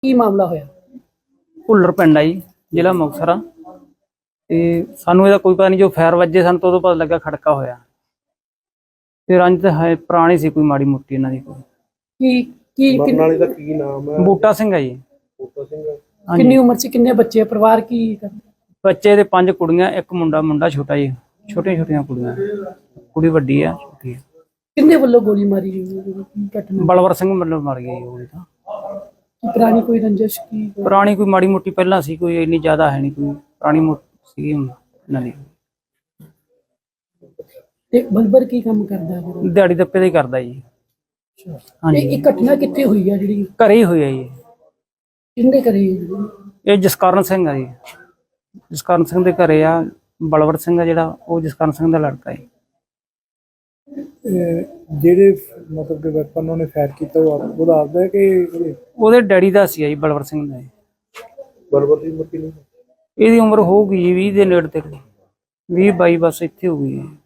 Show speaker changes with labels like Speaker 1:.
Speaker 1: ਕੀ ਮਾਮਲਾ ਹੋਇਆ?
Speaker 2: ਭੁੱਲਰ ਪਿੰਡ ਆ ਜੀ, ਜ਼ਿਲ੍ਹਾ ਮੁਕਤਸਰ ਆ। ਤੇ ਸਾਨੂੰ ਇਹਦਾ ਕੋਈ ਪਤਾ ਨਹੀਂ, ਜੋ ਫਾਇਰ ਵੱਜੇ ਸਾਨੂੰ ਤਾਂ ਉਦੋਂ ਪਤਾ ਲੱਗਾ ਖੜਕਾ ਹੋਇਆ। ਤੇ ਰੰਜ ਤਾਂ ਹੈ ਪੁਰਾਣੀ ਸੀ ਕੋਈ ਮਾੜੀ ਮੋਟੀ ਇਹਨਾਂ ਦੀ ਕੋਈ।
Speaker 1: ਕੀ ਕੀ
Speaker 3: ਮਰਨ ਵਾਲੇ ਦਾ ਕੀ ਨਾਮ ਹੈ?
Speaker 2: ਬੂਟਾ ਸਿੰਘ ਆ ਜੀ।
Speaker 3: ਬੂਟਾ ਸਿੰਘ।
Speaker 1: ਕਿੰਨੀ ਉਮਰ ਚ, ਕਿੰਨੇ ਬੱਚੇ, ਪਰਿਵਾਰ ਕੀ ਕਰਦੇ?
Speaker 2: ਬੱਚੇ ਦੇ 5 ਕੁੜੀਆਂ, ਇੱਕ ਮੁੰਡਾ ਛੋਟਾ ਜੀ, ਛੋਟੀਆਂ ਕੁੜੀਆਂ, ਕੁੜੀ ਵੱਡੀ ਆ, ਛੋਟੀ ਆ।
Speaker 1: ਕਿੰਨੇ ਵੱਲੋਂ ਗੋਲੀ ਮਾਰੀ ਗਈ? ਕੀ ਘਟਨਾ?
Speaker 2: ਬਲਵਰ ਸਿੰਘ ਮਤਲਬ ਮਰ ਗਿਆ ਜੀ ਉਹ ਤਾਂ।
Speaker 1: ਕੀ ਪੁਰਾਣੀ ਕੋਈ ਰੰਜਿਸ਼? ਕੀ
Speaker 2: ਪੁਰਾਣੀ ਕੋਈ ਮਾੜੀ ਮੋਟੀ ਪਹਿਲਾਂ ਸੀ, ਕੋਈ ਇੰਨੀ ਜ਼ਿਆਦਾ ਹੈ ਨਹੀਂ, ਕੋਈ ਪੁਰਾਣੀ ਮੋਟੀ ਸੀ ਇਹਨਾਂ ਦੀ।
Speaker 1: ਤੇ ਬਲਬਰ ਕੀ ਕੰਮ ਕਰਦਾ ਹੈ?
Speaker 2: ਦਿਹਾੜੀ ਦੱਪੇ ਦਾ ਹੀ ਕਰਦਾ ਜੀ। ਹਾਂਜੀ,
Speaker 1: ਇਹ ਘਟਨਾ ਕਿੱਥੇ ਹੋਈ ਆ ਜਿਹੜੀ?
Speaker 2: ਘਰੇ ਹੀ ਹੋਈ ਆ ਜੀ।
Speaker 1: ਕਿੰਨੇ ਕਰੀ?
Speaker 2: ਇਹ ਜਸਕਰਨ ਸਿੰਘ ਆ ਜੀ, ਜਸਕਰਨ ਸਿੰਘ ਦੇ ਘਰੇ ਆ। ਬਲਵਰ ਸਿੰਘ ਆ ਜਿਹੜਾ, ਉਹ ਜਸਕਰਨ ਸਿੰਘ ਦਾ ਲੜਕਾ ਹੈ।
Speaker 3: ਜਿਹੜੇ ਮਤਲਬ ਕਿ ਵੈਪਨ ਉਹਨੇ ਫਾਇਰ ਕੀਤਾ ਉਹ ਦੱਸਦਾ ਕਿ
Speaker 2: ਉਹਦੇ ਡੈਡੀ ਦਾ ਸੀ ਜੀ, ਬਲਵਰ ਸਿੰਘ ਦਾ।
Speaker 3: ਬਲਬਰ ਦੀ ਉਮਰ ਕਿੰਨੀ?
Speaker 2: ਇਹਦੀ ਉਮਰ ਹੋਊਗੀ ਜੀ 20 ਦੇ ਨੇੜੇ ਤੇੜੇ, 20 22 ਬਸ ਇੱਥੇ ਹੋਊਗੀ।